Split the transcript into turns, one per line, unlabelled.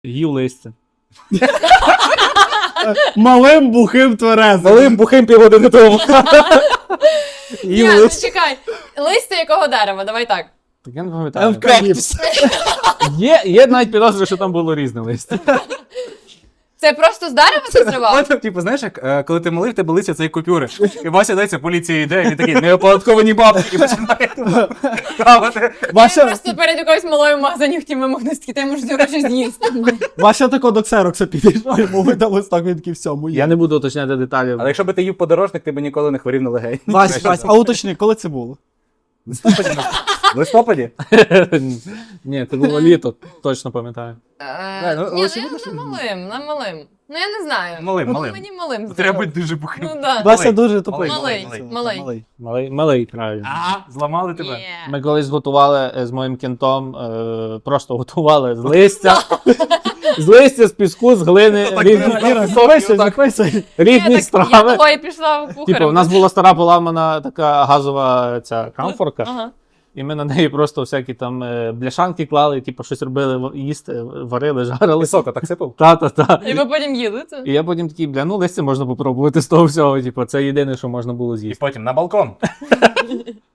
Їв листя.
Малим, бухим, тверезим.
Малим бухим півгодини тому.
Ні, ну чекай. Листя якого дерева? Давай так.
Так я не пам'ятаю.
Евкаліпс.
Є навіть підозри, що там було різне листя.
Це просто з дерева ти зривав?
Типу, знаєш, як коли ти малий, в тебе лиця це як купюри. І Вася дається, поліція йде, і він такий, неоподатковані бабки, і починає хавати.
Я
Вася,
просто перед якоюсь малою в магазині хотів вимогнути, ти можеш ці гроші з'їсти.
Вася тако до ксерокса підійшов, йому видалось так, він такий, все, моє.
Я не буду уточняти деталі.
Але якщо би ти їв подорожник, ти б ніколи не хворів на легень.
Вася, а уточни, коли це було?
В листопаді?
Ні, це було літо, точно пам'ятаю.
Ні, ну на малим. Ну я не знаю.
Малим.
Мені малим.
Треба бути дуже бухим.
Ну да.
Вася дуже тупий.
Малий.
Малий, правильно.
Зламали тебе.
Yeah.
Ми колись готували з моїм кентом, просто готували з листя. З листя, з піску, з глини,
Іра, записуй.
різні
Я
страви.
того і пішла в кухарем.
Типу, у нас була стара поламана така газова ця камфорка,
Ага.
і ми на неї просто всякі там бляшанки клали, типу, щось робили, їсти, варили, жарили.
Сока так сипав?
Та.
І ви потім їли це?
І я потім такий, ну листя можна попробувати з того всього, типу, це єдине, що можна було
І
з'їсти.
потім на балкон.